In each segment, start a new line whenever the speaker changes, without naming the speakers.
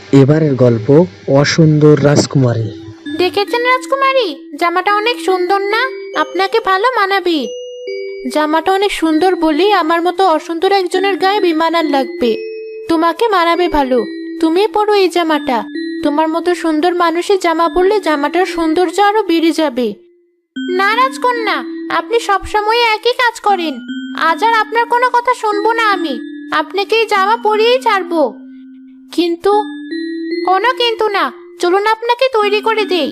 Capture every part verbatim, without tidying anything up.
এবারের গল্প অসুন্দর রাজকুমারী।
দেখেছেন রাজকুমারী, জামাটা অনেক সুন্দর না? আপনাকে ভালো মানাবে। জামাটা অনেক সুন্দর বলেই আমার মতো অসুন্দর একজনের গায়ে বিমানান লাগবে। তোমাকে মানাবে ভালো, তুমি পরো এই জামাটা। তোমার মতো সুন্দর মানুষের জামা পরলে জামাটার সৌন্দর্য আরো বেড়ে যাবে। না রাজকন্যা, আপনি সবসময় একই কাজ করেন। আজ আর আপনার কোনো কথা শুনবো না আমি। আপনাকে এই জামা পরিয়েই ছাড়বো। কিন্তু কোনো কিন্তু না, চলুন আপনাকে তৈরি করে দেই।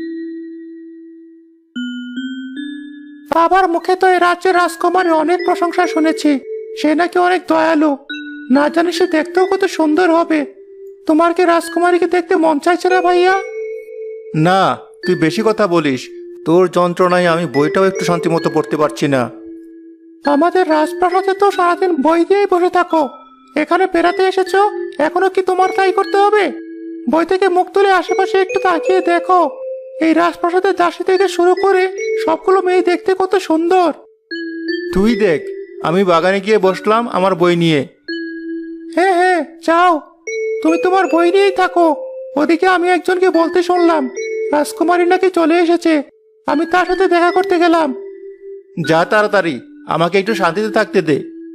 বাবার মুখে তো এই রাজ্যের রাজকুমারী অনেক প্রশংসা শুনেছি। সে নাকি অনেক দয়ালু। না জানি সে দেখতেও কত সুন্দর হবে। তোমার কি রাজকুমারীকে দেখতে মন চাইছে না ভাইয়া? না, তুই বেশি কথা বলিস। তোর যন্ত্রণায় আমি বইটাও একটু শান্তিমতো পড়তে পারছি না। আমাদের রাজপ্রাসাদে তো সারাদিন বই দিয়েই বসে থাকো। এখানে বেড়াতে এসেছো, এখনো কি তোমার তাই করতে হবে? বই থেকে মুখ তুলে আশেপাশে একটু তাকিয়ে দেখো। এই রাজপ্রাসাদের দাসী থেকে শুরু করে সবগুলো মেয়ে দেখতে কত সুন্দর। তুই দেখ, আমি বাগানে গিয়ে বসলাম আমার বই নিয়ে। হ্যাঁ হ্যাঁ, যাও, তুমি তোমার বই নিয়েই থাকো। ওদিকে আমি একজনকে বলতে শুনলাম রাজকুমারী নাকি চলে এসেছে। আমি তার সাথে দেখা করতে গেলাম। যা তাড়াতাড়ি, আমাকে একটু শান্তিতে থাকতে দে।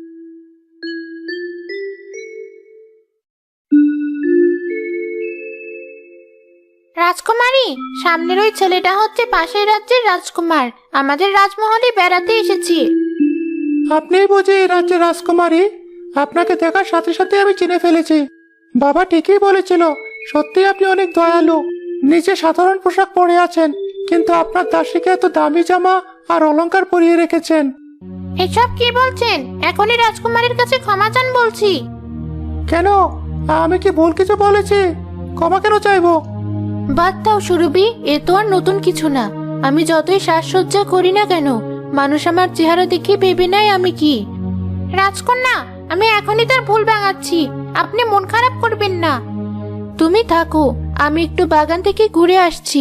রাজকুমারী, সামনের ওই ছেলেটা হচ্ছে পাশের রাজ্যের রাজকুমার। আমাদের রাজমহলে বেড়াতে এসেছে।
আপনি বুঝি এই রাজ্যের রাজকুমারী? আপনাকে দেখার সাথে সাথে আমি চিনে ফেলেছি। বাবা ঠিকই বলেছিল, সত্যি আপনি অনেক দয়ালু। নিচে সাধারণ পোশাক পরে আছেন, কিন্তু আপনার দাসীকে এত দামি জামা আর অলংকার পরিয়ে রেখেছেন।
এসব কি বলছেন? এখনই রাজকুমারীর কাছে ক্ষমা চান বলছি।
কেন, আমি কি ভুল কিছু বলেছি? ক্ষমা কেন চাইবো?
বাদ দাও সুরভি, এ তো আর নতুন কিছু না। আমি যতই সাজসজ্জা করি না কেন, মানুষ আমার চেহারা দেখে ভেবে নেয় আমি কি। রাজকন্যা, আমি এখনই তার ভুল ভাঙাচ্ছি। আপনি মন খারাপ করবেন না। তুমি থাকো, আমি একটু বাগান থেকে ঘুরে আসছি।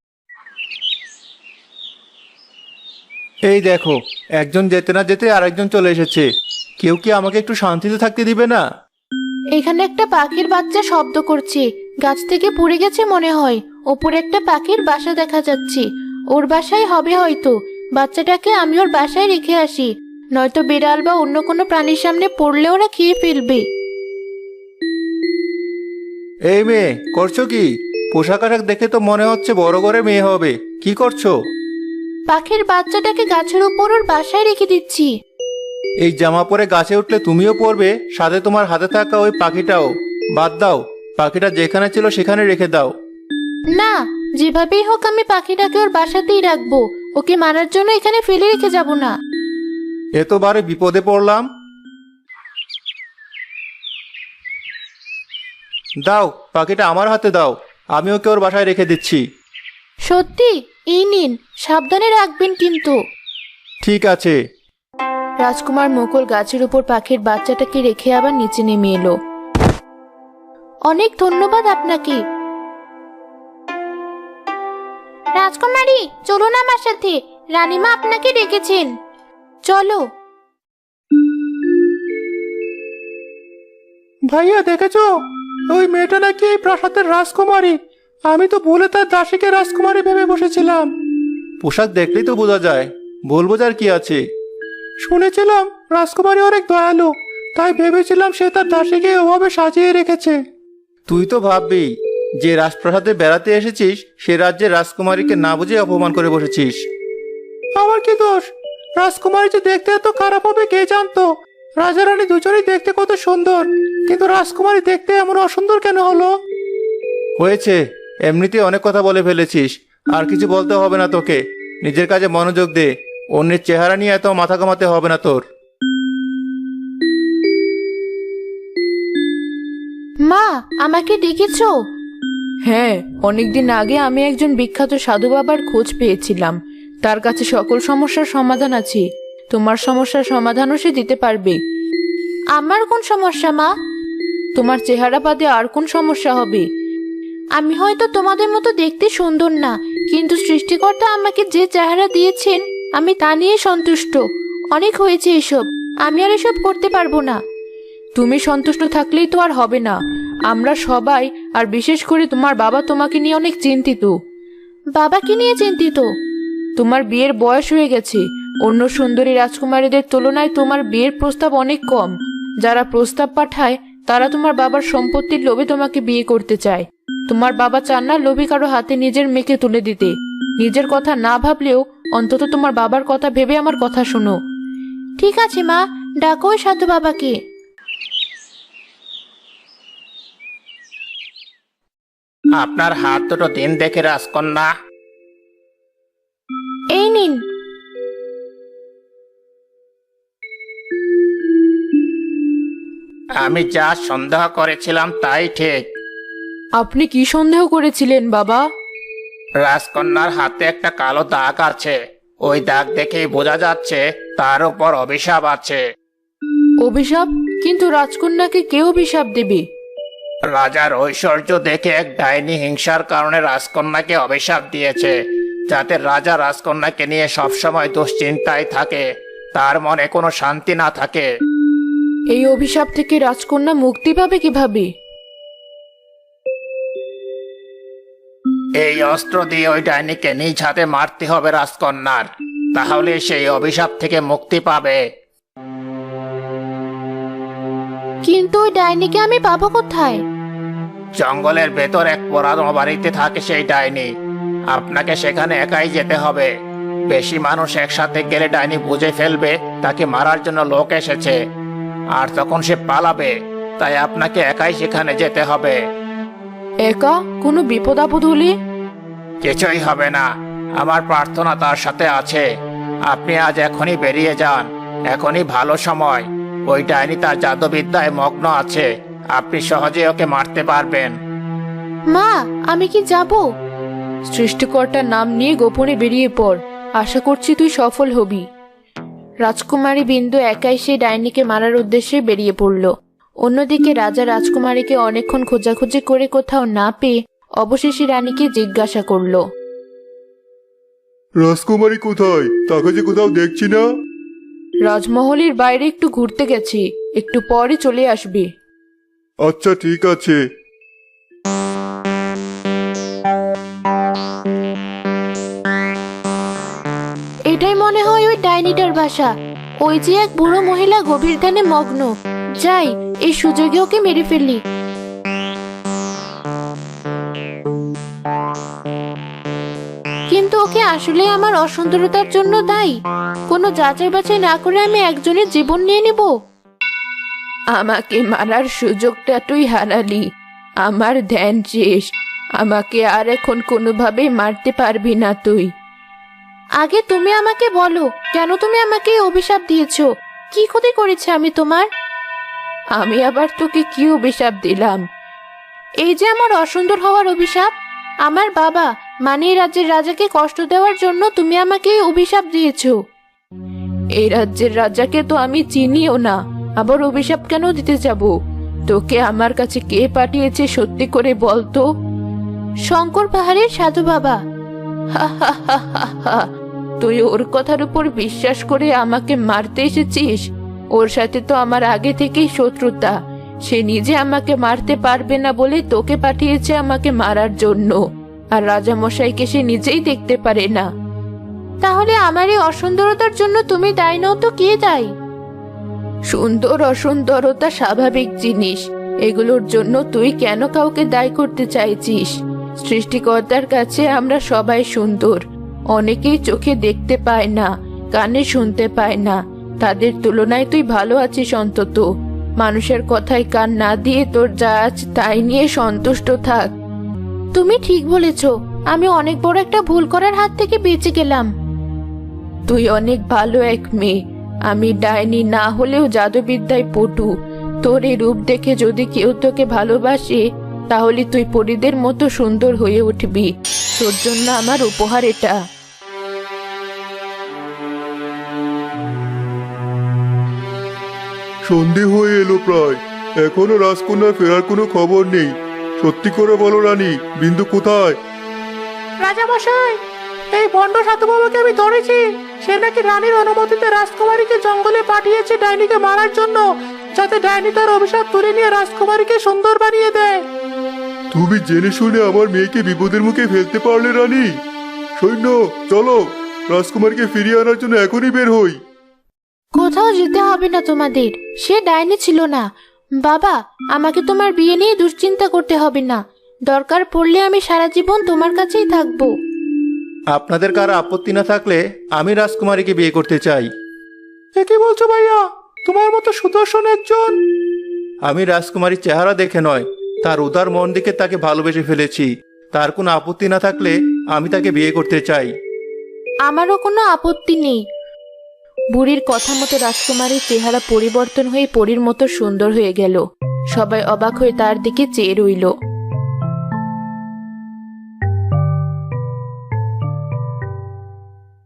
এই দেখো, একজন যেতে না যেতে আরেকজন চলে এসেছে। কেউ কি আমাকে একটু শান্তিতে থাকতে দিবে না?
এখানে একটা পাখির বাচ্চা শব্দ করছে। গাছ থেকে পড়ে গেছে মনে হয়। ওপরে একটা পাখির বাসা দেখা যাচ্ছে। ওর বাসায় হবে হয়তো। বাচ্চাটাকে আমি ওর বাসায় রেখে আসি, নয়তো বিড়াল বা অন্য কোনো প্রাণীর সামনে পড়লে ওরা খেয়ে ফেলবে।
এই মেয়ে, করছো কি? পোশাক আশাক দেখে তো মনে হচ্ছে বড় করে মেয়ে হবে। কি করছো?
পাখির বাচ্চাটাকে গাছের উপর ওর বাসায় রেখে দিচ্ছি।
এই জামা পরে গাছে উঠলে তুমিও পড়বে, সাথে তোমার হাতে থাকা ওই পাখিটাও। বাদ দাও, পাখিটা যেখানে ছিল সেখানে রেখে দাও।
না, যেভাবেই হোক আমি পাখিটাকে ওর বাসাতেই রাখবো। ওকে মারার জন্য এখানে ফেলে রেখে যাব না।
এতবারে বিপদে পড়লাম। দাও, পাখিটা আমার হাতে দাও। আমি ওকে ওর বাসায় রেখে দিচ্ছি।
সত্যি? এই নিন, সাবধানে রাখবেন কিন্তু।
ঠিক আছে।
রাজকুমার মুকুল গাছের উপর পাখির বাচ্চাটাকে রেখে আবার নিচে নেমে এলো। অনেক ধন্যবাদ আপনাকে। রাজকুমারী, চলুন আমার সাথে। রানীমা আপনাকে ডেকেছেন। চলো।
ভাইয়া, দেখেছো? ওই মেয়েটা নাকি এই প্রাসাদের রাজকুমারী। আমি তো ভুলে তার দাসীকে রাজকুমারী ভেবে বসেছিলাম। পোশাক দেখলেই তো বোঝা যায়, ভুল বোঝার কি আছে? শুনেছিলাম রাজকুমারী অনেক দয়ালু, তাই ভেবেছিলাম সে তার দাসীকে ওভাবে সাজিয়ে রেখেছে। তুই তো ভাববি যে রাজপ্রাসাদে বেড়াতে এসেছিস, সে রাজ্যের রাজকুমারীকে না বুঝে অপমান করে বসেছিস। আমার কি দোষ? রাজকুমারী যে দেখতে এত খারাপ হবে কে জানতো? রাজা রানী দুজনেই দেখতে কত সুন্দর, কিন্তু রাজকুমারী দেখতে এমন অসুন্দর কেন হলো? হয়েছে, এমনিতে অনেক কথা বলে ফেলেছিস। আর কিছু বলতে হবে না তোকে। নিজের কাজে মনোযোগ দে। অন্যের চেহারা নিয়ে এত মাথা কামাতে হবে না তোর।
মা, আমাকে ডেকেছো? হ্যাঁ, অনেকদিন আগে আমি একজন বিখ্যাত সাধু বাবার খোঁজ পেয়েছিলাম। তার কাছে সকল সমস্যার সমাধান আছে। তোমার সমস্যার সমাধানও সে দিতে পারবে। আমার কোন সমস্যা মা? তোমার চেহারা বাদে আর কোন সমস্যা হবে? আমি হয়তো তোমাদের মতো দেখতে সুন্দর না, কিন্তু সৃষ্টিকর্তা আমাকে যে চেহারা দিয়েছেন আমি তা নিয়ে সন্তুষ্ট। অনেক হয়েছে এসব, আমি আর এসব করতে পারবো না। তুমি সন্তুষ্ট থাকলেই তো আর হবে না। আমরা সবাই আর বিশেষ করে তোমার বাবা তোমাকে নিয়ে অনেক চিন্তিত। বাবা কি নিয়ে চিন্তিত? তোমার বিয়ের বয়স হয়ে গেছে। অন্য সুন্দরী রাজকুমারীদের তুলনায় তোমার বিয়ের প্রস্তাব অনেক কম। যারা প্রস্তাব পাঠায় তারা তোমার বাবার সম্পত্তির লোভে তোমাকে বিয়ে করতে চায়। তোমার বাবা চান না লোভী কারো হাতে নিজের মেয়েকে তুলে দিতে। নিজের কথা না ভাবলেও অন্তত তোমার বাবার কথা ভেবে আমার কথা শোনো। ঠিক আছে মা, ডাকো ওই সাধু বাবাকে।
আপনার হাত দুটো দিন দেখে রাজকন্যা।
এই নিন।
আমি যা সন্দেহ করেছিলাম তাই ঠিক।
আপনি কি সন্দেহ করেছিলেন বাবা?
রাজকন্যার হাতে একটা কালো দাগ আছে। ওই দাগ দেখেই বোঝা যাচ্ছে তার উপর অভিশাপ আছে।
অভিশাপ? কিন্তু রাজকন্যাকে কে অভিশাপ দেবে?
রাজার ঐশ্বর্য দেখে এক ডাইনি হিংসার কারণে রাজকন্যাকে অভিশাপ দিয়েছে, যাতে রাজা রাজকন্যাকে নিয়ে সবসময় দুশ্চিন্তায় থাকে, তার মনে কোনো শান্তি না থাকে।
এই অভিশাপ থেকে রাজকন্যা মুক্তি পাবে কিভাবে?
এই অস্ত্র দিয়ে ওই ডাইনিকে নিজ হাতে মারতে হবে রাজকন্যার, তাহলে সেই অভিশাপ থেকে মুক্তি পাবে।
কিন্তু ওই ডাইনিকে আমি পাবো কোথায়?
জঙ্গলের ভেতর এক পুরানো বাড়িতে থাকে সেই ডাইনি। আপনাকে সেখানে একাই যেতে হবে। বেশি মানুষ একসাথে গেলে ডাইনি বুঝে ফেলবে তাকে মারার জন্য লোক এসেছে, আর তখন সে পালাবে। তাই আপনাকে একাই সেখানে যেতে হবে।
একা? কোনো বিপদ আপদ হলে?
কিছুই হবে না, আমার প্রার্থনা তার সাথে আছে। আপনি আজ এখনই বেরিয়ে যান, এখনই ভালো সময়। ওই ডাইনি তার জাদুবিদ্যায় মগ্ন আছে, আপনি সহজে ওকে মারতে পারবেন।
মা, আমি কি যাব? সৃষ্টিকর্তার নাম নিয়ে গোপনে বেরিয়ে পড়, আশা করছি তুই সফল হবি। রাজকুমারী বিন্দু একাই সেই ডাইনিকে মারার উদ্দেশ্যে বেরিয়ে পড়ল। অন্যদিকে রাজা রাজকুমারীকে অনেকক্ষণ খোঁজাখুঁজি করে কোথাও না পেয়ে অবশেষে রানীকে জিজ্ঞাসা করল,
রাজকুমারী কোথায়? তাকে যে কোথাও দেখছি না।
রাজমহলের বাইরে একটু ঘুরতে গেছি, একটু পরে চলে আসবে।
আচ্ছা ঠিক আছে।
এটাই মনে হয় ওই ডাইনিটার বাসা। ওই যে এক বুড়ো মহিলা গভীর ধ্যানে মগ্ন। যাই, এই সুযোগে ওকে মেরে ফেললি। কিন্তু ওকে আসলে আমার অসুন্দরতার জন্য দায়ী? কোনো যাচাই বাছাই না করে আমি একজনের জীবন নিয়ে নেব? আমাকে মারার সুযোগটা তুই হারালি। আমার ধ্যান শেষ। আমাকে আর এখন কোনোভাবেই মারতে পারবি না তুই। আগে তুমি আমাকে বলো, কেন তুমি আমাকে এই অভিশাপ দিয়েছো? কি ক্ষতি করেছে আমি তোমার? আমি আবার তোকে কি অভিশাপ দিলাম? এই যে আমার অসুন্দর হওয়ার অভিশাপ। আমার বাবা মানে এই রাজ্যের রাজাকে কষ্ট দেওয়ার জন্য তুমি আমাকে এই অভিশাপ দিয়েছো। এই রাজ্যের রাজাকে তো আমি চিনিও না, আবার অভিশাপ কেন দিতে যাব? তোকে আমার কাছে কে পাঠিয়েছে সত্যি করে বলতো? শঙ্কর পাহাড়ের সাধু বাবা। হা হা হা হা হা। তুই ওর কথার উপর বিশ্বাস করে আমাকে মারতে এসেছিস? ওর সাথে তো আমার আগে থেকেই শত্রুতা। সে নিজে আমাকে মারতে পারবে না বলে তোকে পাঠিয়েছে আমাকে মারার জন্য, আর রাজামশাইকে সে নিজেই দেখতে পারে না। তাহলে আমার এই অসুন্দরতার জন্য তুমি দায়ী নও তো কে দায়ী? সুন্দর অসুন্দরতা স্বাভাবিক জিনিস, এগুলোর জন্য তুই কেন কাউকে দায়ী করতে চাইছিস? সৃষ্টিকর্তার কাছে আমরা সবাই সুন্দর। অনেকেই চোখে দেখতে পায় না, কানে শুনতে পায় না, তাদের তুলনায় তুই ভালো আছিস অন্তত। মানুষের কথায় কান না দিয়ে তোর যা আছে তাই নিয়ে সন্তুষ্ট থাক। তুমি ঠিক বলেছ, আমি অনেক বড় একটা ভুল করার হাত থেকে বেঁচে গেলাম। তুই অনেক ভালো এক মেয়ে। আমি ডাইনি না হলেও জাদুবিদ্যায় পটু। তোর এই রূপ দেখে যদি কেউ তোকে ভালোবাসে তাহলে তুই পরীদের মতো সুন্দর হয়ে উঠবি। তোর জন্য আমার উপহার এটা।
সন্ধে হয়ে এলো প্রায়, এখনো রাজকন্যার ফেরার কোনো খবর নেই। সত্যি করে বলো রানী, বিন্দু কোথায়?
রাজামশাই, এই বন্ড সাধু বাবাকে আমি ধরেছি। সে নাকি রানীর অনুমতিতে রাজকুমারীকে জঙ্গলে পাঠিয়েছে ডাইনিকে মারার জন্য। যাতে ডাইনি তার অভিশাপ তুলে নিয়ে রাজকুমারীকে সুন্দর বানিয়ে দেয়।
তুমি জেনে শুনে আমার মেয়েকে বিপদের মুখে ফেলতে পারলে রানী। সৈন্য চলো, রাজকুমারকে ফিরিয়ে আনার জন্য এখনই বের হই।
কোথাও যেতে হবে না তোমাদের, সে ডাইনি ছিল না। বাবা, আমাকে তোমার বিয়ে নিয়ে দুশ্চিন্তা করতে হবে না। দরকার পড়লে আমি সারা জীবন তোমার কাছেই থাকবো।
আপনাদের কারো আপত্তি না থাকলে আমি রাজকুমারীকে বিয়ে করতে চাই। এ কি বলছো ভাইয়া? তোমার মতো সুদর্শন একজন। আমি রাজকুমারীর চেহারা দেখে নয়, তার উদার মন দিকে তাকে ভালোবেসে ফেলেছি। তার কোনো আপত্তি না থাকলে আমি তাকে বিয়ে করতে চাই।
আমারও কোনো আপত্তি নেই। বুড়ির কথা মতো রাজকুমারীর চেহারা পরিবর্তন হয়ে পরীর মতো সুন্দর হয়ে গেল। সবাই অবাক হয়ে তার দিকে চেয়ে রইল।